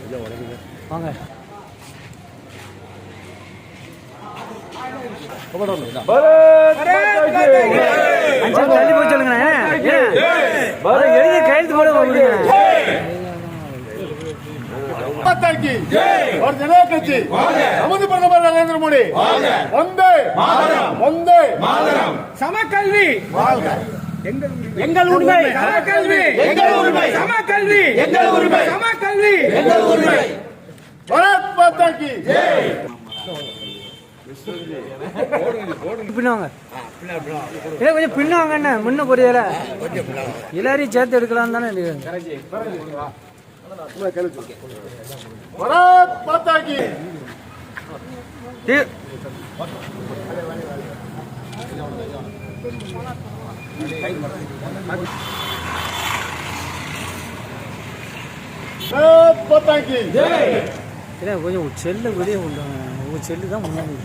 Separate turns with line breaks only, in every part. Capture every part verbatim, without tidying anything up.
வாங்க தள்ளி போய் சொல்லுங்க எழுதி கையெழுத்து போட
और जनता कक्षी நமது பிரதமர் நரேந்திர மோடி வந்தே வந்தே
சமக்கல்வி
எங்கள் உரிமை
சமக்கல்வி
எங்கள் உரிமை
சமக்கல்வி
எங்கள் உரிமை
சமக்கல்வி
எங்கள் உரிமை பாரத் மாதா கி ஜெய்
பின்னாங்க இல்லை கொஞ்சம் பின்னாங்க என்ன முன்ன புரியல எல்லாரையும் சேர்த்து எடுக்கலாம் தானே
भारत माता की भारत माता की
கொஞ்சம் செல்லு வெளியே கொண்டாங்க உங்க செல்லு தான் முன்னாடி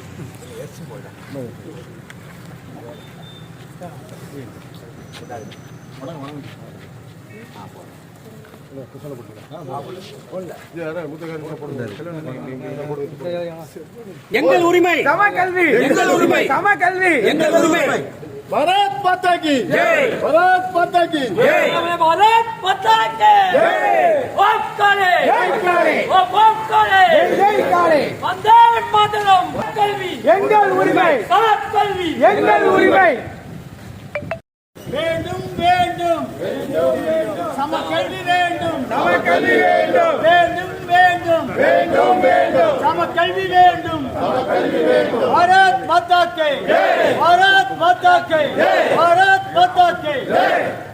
எங்கள் உரிமை சமக்கல்வி எங்கள் உரிமை சமக்கல்வி எங்கள் உரிமை
भारत माता की जय भारत माता की जय
भारत माता की जय ओम काले
जय काले
ओम काले
जय काले
वंदे मातरम कल्वी
எங்கள் உரிமை
சமக்கல்வி
எங்கள் உரிமை
வேண்டும் வேண்டும் வேண்டும் சமக்கல்வி வேண்டும்
சமக்கல்வி வேண்டும்
வேண்டும் வேண்டும் வேண்டும் வேண்டும் சமக்கல்வி வேண்டும் சமக்கல்வி வேண்டும் பாரத் மாதா கி ஜெய் பாரத் மாதா கி ஜெய் பாரத் மாதா கி ஜெய்